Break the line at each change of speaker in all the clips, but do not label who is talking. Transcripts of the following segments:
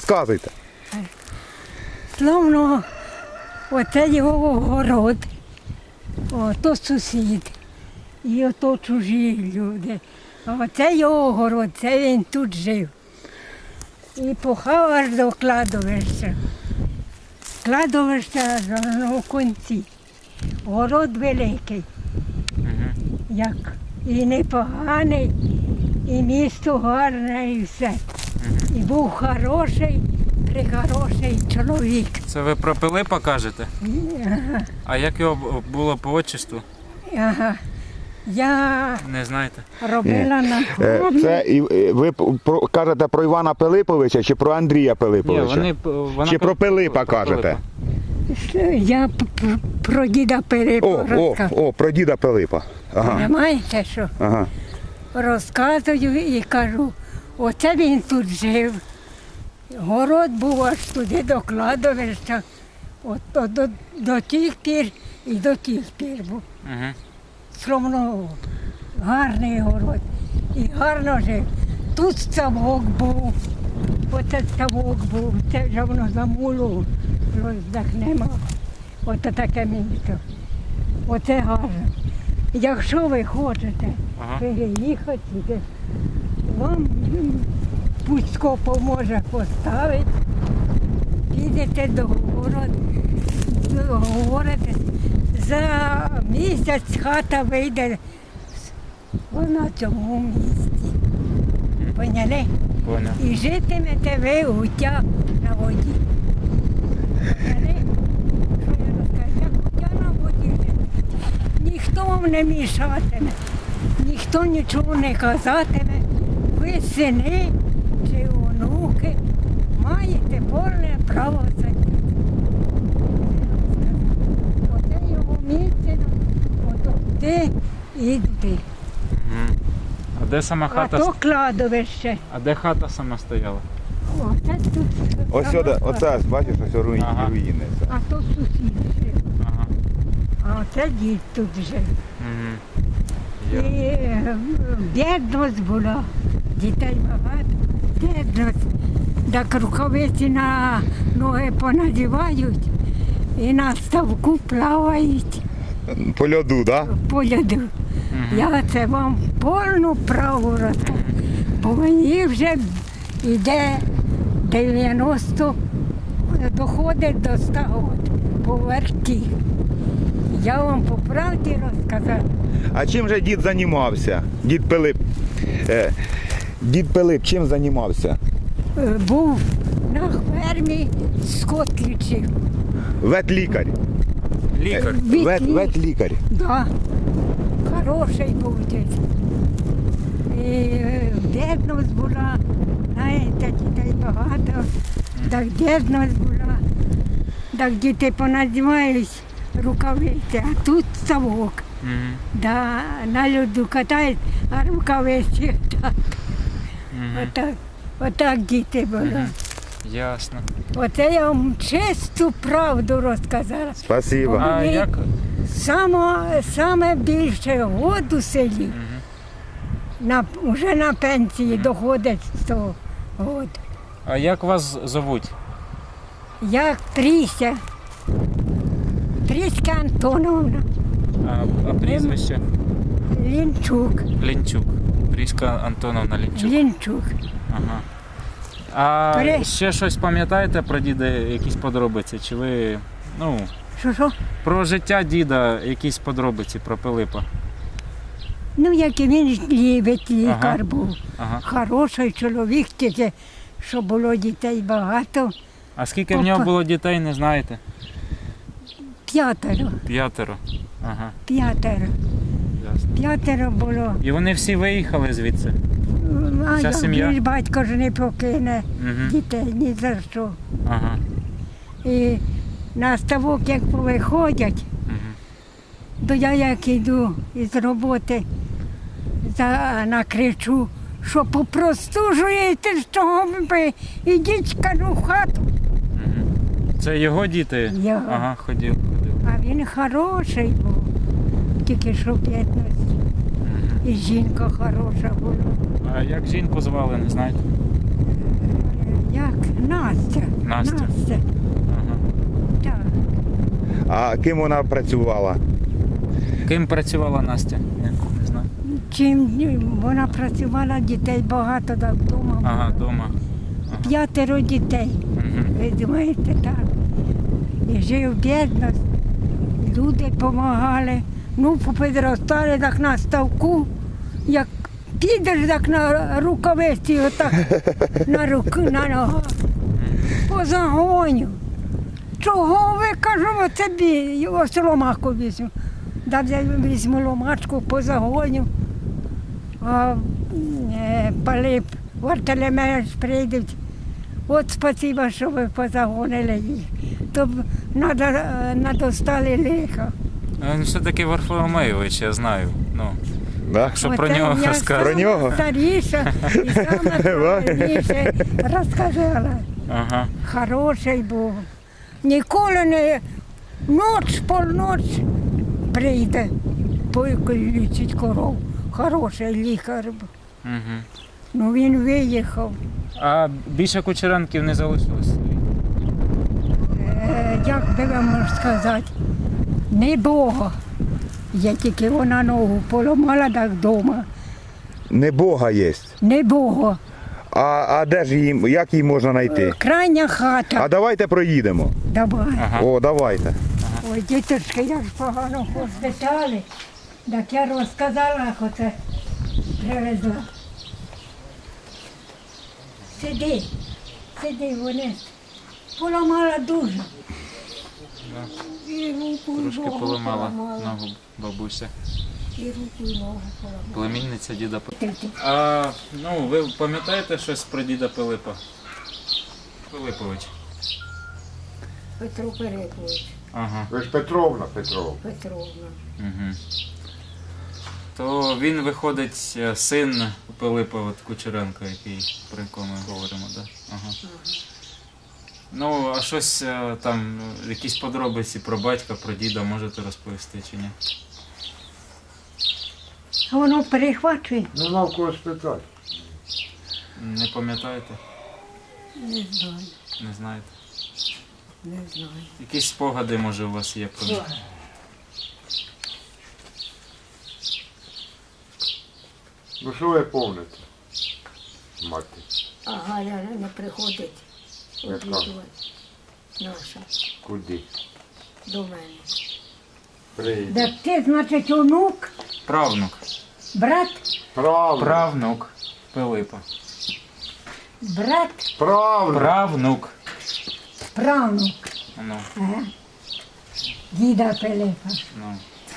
Розказуйте.
Словно оце його город, ото сусід, і ото чужі люди. А оце його город, це він тут жив. І пахав аж до кладовища. Кладовище у кінці. Город великий, як і непоганий, і місто гарне, і все. І був хороший, прихороший чоловік.
Це ви про Пилипа кажете?
Ага.
А як його було по отчеству?
Ага. Я
Не знаєте?
робила на фронті.
Це ви кажете про Івана Пилиповича чи про Андрія Пилиповича? Чи про Пилипа кажете?
Я про діда Пилипа розказую.
Про діда Пилипа. Ага.
Понимаєте, що?
Ага.
Розказую і кажу, оце він тут жив. Город був аж туди до кладовища. От до тих пір і до тих пір був.
Угу.
Словно гарний город. І гарно жив. Тут ставок був. Оце ставок був. Це вже воно замуло. Роздахнемо. Оце таке місто. Оце гарно. Якщо ви хочете переїхати сюди, вам Пуцько поможе поставити, підете до городу, договорите, за місяць хата вийде на цьому місці. Поняли?
Поняв.
І житимете ви гуття на воді. Поняли? Що я розкажу? Як гуття на воді житимете. Ніхто вам не мішатиме, ніхто нічого не казатиме. Ви сини чи онуки маєте повне право сидіти. Оце його місце, ото ти і ти.
А де сама
А
хата?
то кладовище.
А де хата сама стояла?
Оце тут.
Ось сюди, оце, бачиш, ось руїни.
Ага.
Це.
А то сусід жив.
Ага.
А оце дід тут жив.
Угу.
І бідність була, дітей багато, бідність. Так рукавиці на ноги понадівають і на ставку плавають
По льоду, так? Да?
по льоду. Я це вам повну праву розкажу, бо мені вже йде 90, доходить до 100 років по верті. Я вам по правді розказав.
А чим же дід займався? Дід Пилип. Дід Пилип чим займався?
Був на фермі, скот лічив.
Ветлікар.
Лікар.
Ветлікар.
Да. Хороший був дід. І бідність була, знаєте, дітей багато, так бідність була. Так діти понадівають рукавиці, а тут ставок.
Угу.
Да, на льоду катають, а рукавиці так. Отак діти були.
Ясно.
Оце я вам чисту правду розказала.
Спасибо.
А
Вони
як?
Саме більше год у селі, вже на пенсії доходить 100 год.
А як вас зовуть?
Як Тріся, Тріська Антоновна,
А прізвище?
Лінчук,
Лінчук. Пріська Антоновна Лінчук.
Лінчук.
Ага. А
При-
ще щось пам'ятаєте про діда, якісь подробиці? Чи ви,
Що?
про життя діда, якісь подробиці про Пилипа?
Ну, як і він любить, лікар був.
Ага.
Хороший чоловік, тільки, що було дітей багато.
А скільки в нього було дітей, не знаєте?
5.
5. Ага.
5.
Ясно.
5 було.
І вони всі виїхали звідси?
А
Вся
як
сім'я?
ж батько ж не покине
Угу.
дітей ні за що.
Ага.
І на ставок, як виходять,
Угу.
то я як йду із роботи, накричу, що попростужуєте, що ви ідіть, кажу, в хату.
Угу. Це його діти?
Його.
Ага, ходив.
А він хороший був, тільки що 15. І жінка хороша була.
А як жінку звали, не знаєте?
Як? Настя.
Настя. Ага.
Так.
А ким вона працювала?
Ким працювала Настя? Не знаю.
Чим вона працювала, дітей багато так вдома.
Ага,
було.
вдома.
5 дітей.
Угу.
Ви думаєте, так. І жив бідність, люди допомагали. Ну, попідростали так на ставку, як підеш так на рукавиці, отак на руки, на ногах. По загоню. Чого ви, кажу, оце ось ломаку візьму. Да візьму ломачку по загоню. А Пилип, Вартелемеш прийдуть. От спасибо, що ви позагонили їх. То б надостали лиха.
Він все-таки Варфоломеєвич, я знаю. Ну,
Да?
що про нього
я
розказує.
Про нього?
Старіша і саме правильніше розказала.
Ага.
Хороший був. Ніколи не полноч прийде, лічить коров. Хороший лікар був.
Угу.
Ну він виїхав.
А більше Кучеренків не залишилось?
Як би вам можу сказати, не Бога. Я тільки вона ногу поламала так вдома.
Не Бога є.
Не Бога.
А де ж її, як її можна знайти?
Крайня хата.
А давайте проїдемо.
Давай.
Ага.
О, давайте.
Ой, діточки, як ж погано поспитали. Так я розказала, як оце привезла. Сиди, вони поламала дуже. І руку, і
Трошки
ногу
поламала ногу бабуся.
І руку, і ногу поламала.
Племінниця діда Пилипа.
Ти.
А, ну, ви пам'ятаєте щось про діда Пилипа? Пилипович.
Петро Пилипович,
Ага.
Ви ж Петровна.
Петровна.
Угу. То він виходить син Пилипа от Кучеренка, який, про якого ми говоримо, да? Ага. Ну, а щось там, якісь подробиці про батька, про діда можете розповісти чи ні?
А воно перехвачує?
Нема в кого спитати.
Не пам'ятаєте?
Не знаю,
Не знаєте?
не знаю.
Якісь спогади, може, у вас є про них?
Ну що ви помните? Мати.
А Галя не приходить
Яка?
обідувати. Наша,
Куди?
до мене.
Прийде.
Так ти, значить, онук,
Правнук.
брат,
Правда.
Правнук Пилипа.
брат,
Правда.
Правнук.
правнук.
Ну,
Ага. Діда Пилипа.
ну.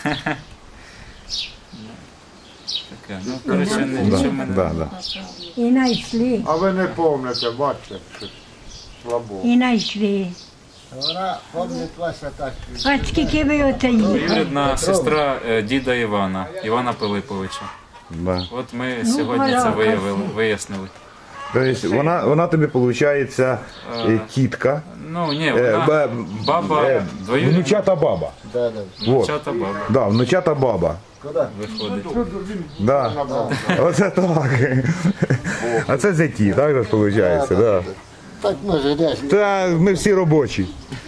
Таке. Ну, коротше, нічого ми не...
Да.
І знайшли,
А ви не помните, бачите, що слабо.
і знайшли.
Вона пам'ятає ваша так.
А скільки ви оце їхали?
Двоюрідна сестра діда Івана Пилиповича.
Да.
От ми
Ну,
сьогодні це
балакався.
вияснили.
Тобто вона тобі, виходить, тітка,
Ну, ні, вона баба, двоюрідна
внучата баба.
Да.
внучата баба
Да, внучата баба.
виходить.
Да. Оце так. А це зяті, так же виходить, да.
Так ми ж
Та ми всі робочі.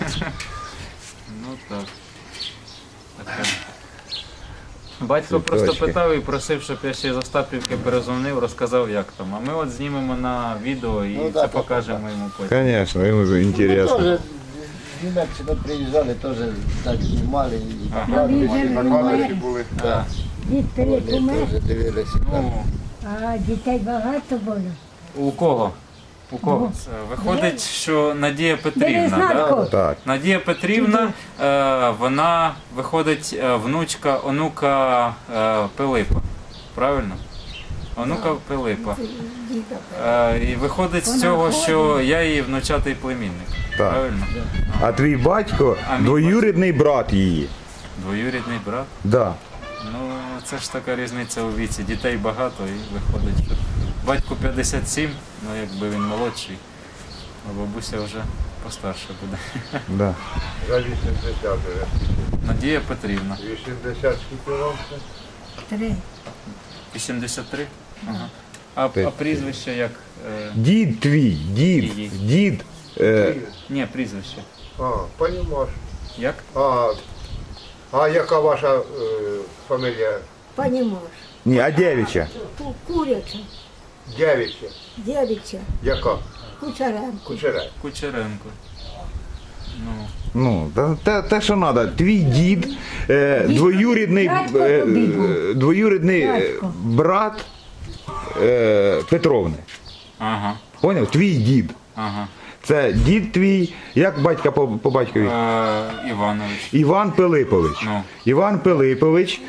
Ну так. Таке. Батько просто
Цвіточки.
питав і просив, щоб я ще з Остапівки перезвонив, розказав, як там. А ми от знімемо на відео і це покажемо йому потім.
Звісно, йому ж інтересно.
Тоже в Німеччину приїжджали, теж так знімали і
А ви вже
Накладочки були.
Так.
Дід Пилип
вони
умер,
теж дивилися.
Ну,
а дітей багато було.
у кого? У кого? Це виходить, що Надія
Бери
Петрівна,
знатку.
да?
Так.
Надія Петрівна, вона виходить внучка онука Пилипа. Правильно? Онука Пилипа.
Діда
І виходить з цього, що я її внучатий племінник.
Так.
Правильно?
А твій батько
А мій
двоюрідний брат її.
Двоюрідний брат.
Да.
Ну, це ж така різниця у віці. Дітей багато і виходить, що батьку 57, ну якби він молодший, а бабуся вже постарша буде.
Да.
За 80 вже.
Надія Петрівна.
80 скільки років?
3.
83? Ага. А прізвище як?
Дід твій,
Її.
дід.
Ні, прізвище.
Понімаєш.
Як?
А яка ваша фамілія?
Понімаєш.
Ні, а дєвіча.
Куряча,
Дявіча.
дівча,
Яка?
Кучеренко.
Кучерай.
Кучеренко. Ну,
Ну, те, що треба. Твій дід, двоюрідний, двоюрідний
Дядько.
брат Петровни.
ага,
Поняв? Твій дід.
ага.
Це дід твій, як батька по батькові?
Іванович.
Іван Пилипович.
Ну.
Іван Пилипович,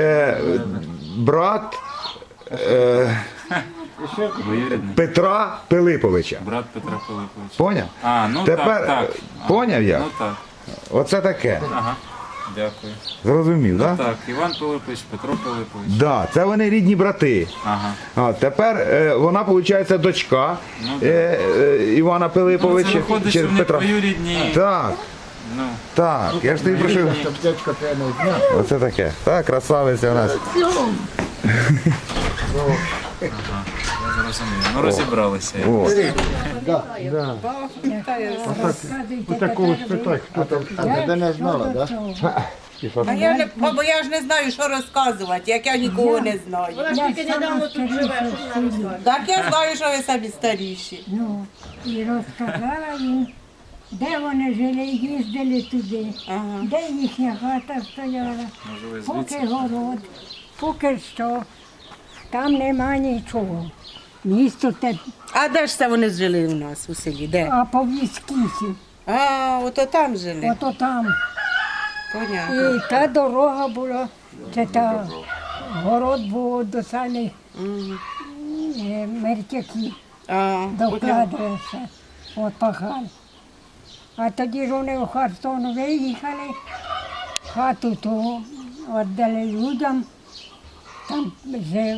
брат
Двоюрідний.
Петра Пилиповича.
Брат Петра Пилиповича.
Поняв?
А, ну
Тепер,
так.
поняв я?
Ну так.
Оце таке.
Ага. Дякую.
Зрозумів, так?
Так, Іван Пилипович, Петро Пилипович.
Да, це вони рідні брати.
Ага.
А тепер вона, виходить, дочка
Ну,
Івана
Ну,
Пилиповича.
це виходить,
чи
що вони
Петра.
двоюрідні.
Так,
Ну,
так, я ж тобі прошу.
Щоб дядько тебе не зняв.
Оце таке. Так, красавиця у нас.
я зрозумів. Ну, розібралися.
О.
Розказуйте
Такого
тепер
спитай, хто там.
А тебе не знала, так? Да?
А я не, бо я ж не знаю, що розказувати, як я нікого не знаю.
Я сама старіша в селі.
Так я знаю, що ви самі старіші.
Ну, і розказала їм, де вони жили, їздили туди,
Ага.
де їхня хата стояла,
Може, ви
поки
звідси?
город, поки що, там нема нічого. Місто те,
А де ж це вони жили у нас у селі? Де?
а по Віскісі,
А, ото там жили.
ото там.
Понятно.
І та дорога була, це та город був до самих мертяків.
А,
Докладається, от пахали. А тоді ж вони в Херсон виїхали, хату ту віддали людям, там жив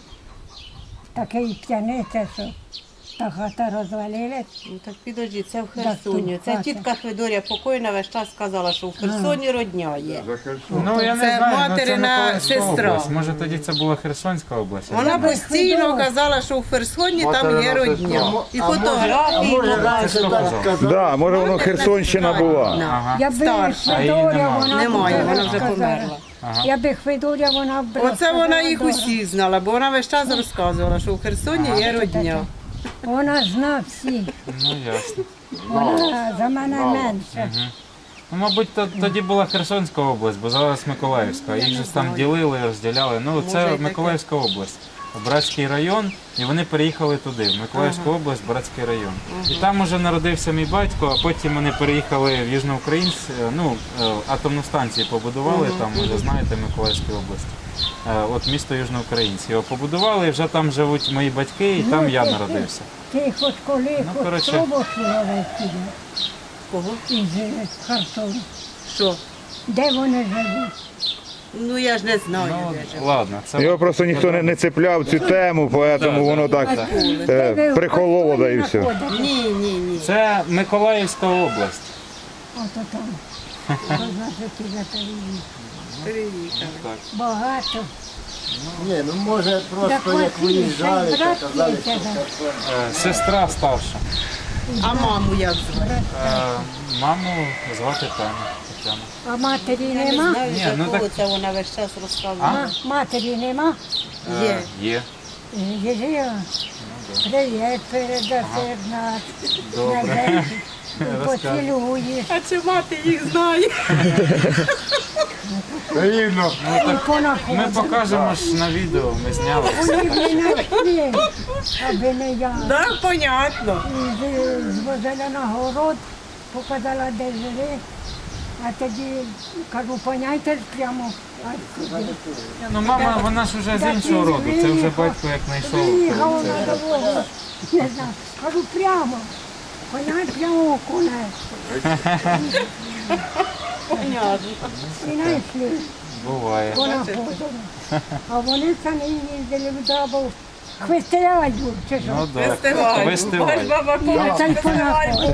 такий п'яниця, що та хата розвалилась.
ну так підожди, це в Херсоні.
тут
Це
хата.
тітка Федорія покойна весь час сказала, що в Херсоні родня є.
Ну, я не
Це
знаю, ну,
материна
Миколаївська
сестра.
область. Може, тоді це була Херсонська область?
Вона
без
постійно
Федора.
казала, що в Херсоні там є
Материна
родня. І фотографії
Може,
була.
раніше так сказав.
Да, може воно Херсонщина була.
Ага.
Я би
Старша.
А її
Хвидоря,
нема.
вона
Немає,
б
вона вже
розказала.
померла.
Я би Хвидоря, вона б
Оце вона
розказала
їх
добре.
усіх знала, бо вона весь час розказувала, що в Херсоні є родня.
Вона зна всі,
Ну, ясно.
вона за мене менше.
Ну, мабуть, тоді була Херсонська область, бо зараз Миколаївська. Їх же ж там ділили, розділяли. Ну,
Може,
це
і таке.
Миколаївська область. Братський район, і вони переїхали туди, в Миколаївську область, Братський район. І там уже народився мій батько, а потім вони переїхали в Южноукраїнськ, ну, атомну станцію побудували, там, ви знаєте, в Миколаївській області. От місто Южноукраїнськ. Його побудували, і вже там живуть мої батьки, і там я народився.
Ти хоч коли,
Ну,
хоч
коротше.
пробували туди,
Кого?
із Херсону.
Що?
Де вони живуть?
Ну я ж не знаю.
Ну,
де ж.
ладно, це
Його просто ніхто не цепляв цю тему, тому воно так
Де ви в
прихололо, да і
Херсоні
все.
знаходитесь?
Ні.
Це Миколаївська область.
Ото там. Значить, і за переїзд.
Приїхали.
Багато.
Ні, ну може просто як виїжджали, то казали, що Херсон.
Сестра старша.
А маму як звати?
Маму звати Тетяна.
А матері
Я не
нема?
знаю,
Ні,
за
ну
кого
так-
це вона весь час розказувала.
Матері нема?
Є.
Є.
Єжия. Привіт, передаси нас.
Добре.
Поцілуєш.
А чи мати їх знає?
Рівно.
І
Ми
понаходиш.
покажемо ж на відео, ми зняли.
Вони б не знайшли, аби не я.
Так, понятно.
Звозила на город, показала, де жили. А тоді кажу, поняйте ж прямо.
Ну мама, вона ж вже з іншого роду. Це вже батько як знайшов.
Виїхав
Це
на
вже-
дорогу. Не знаю. Кажу, прямо. Поняй прямо конець.
Понятно.
І знайшли.
Буває.
Понаходили. А вони самі їздили в Дабов. Хвистеялю, чи що?
Ну так.
Фестиваль.
Фестиваль.
Бач, баба
Я цей
Коля.
понаходив.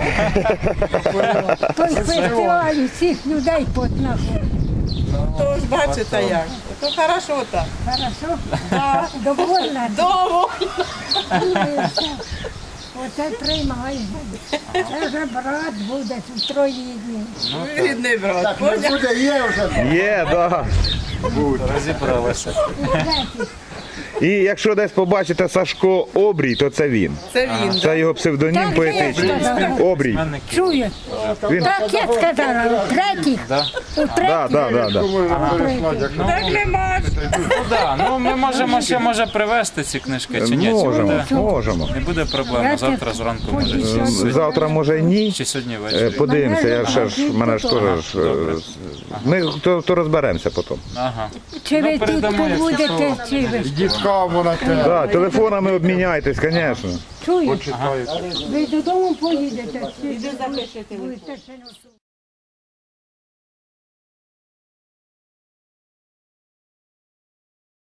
Той фестиваль всіх людей понаходив.
Тож бачите як. То хорошо так.
Хорошо?
Да.
Довольна?
Довго.
Оце тримай. Це вже брат буде в троїдні.
Рідний брат.
Так, не
Поняв?
буде, є вже.
Є, да.
Розібралися.
І якщо десь побачите Сашко Обрій, то це він.
Це він.
Це його псевдонім
Так,
поетичний.
я сказала.
Обрій.
Чую.
Він...
Так я сказала, у третіх. У
Да,
третіх.
да, да, да.
Можна переслати, як
Так нема.
Ну да, ну ми можемо ще може привезти ці книжки чи ні? Чи
Можемо,
буде?
можемо.
Не буде проблем. Завтра зранку може чи сьогодні.
Завтра може ні.
Чи сьогодні ввечері.
Подивимося, я ще ж, мене ж теж. Ми то розберемося потім.
Ага.
Чи ви
Ну,
тут
передамо, якщо
побудете, чи ви?
йдіть каву на те,
Да, телефонами обміняйтесь, звісно.
Чую?
почитаєте.
Ви додому поїдете? Чи
Іди запишете.
будете ще носити?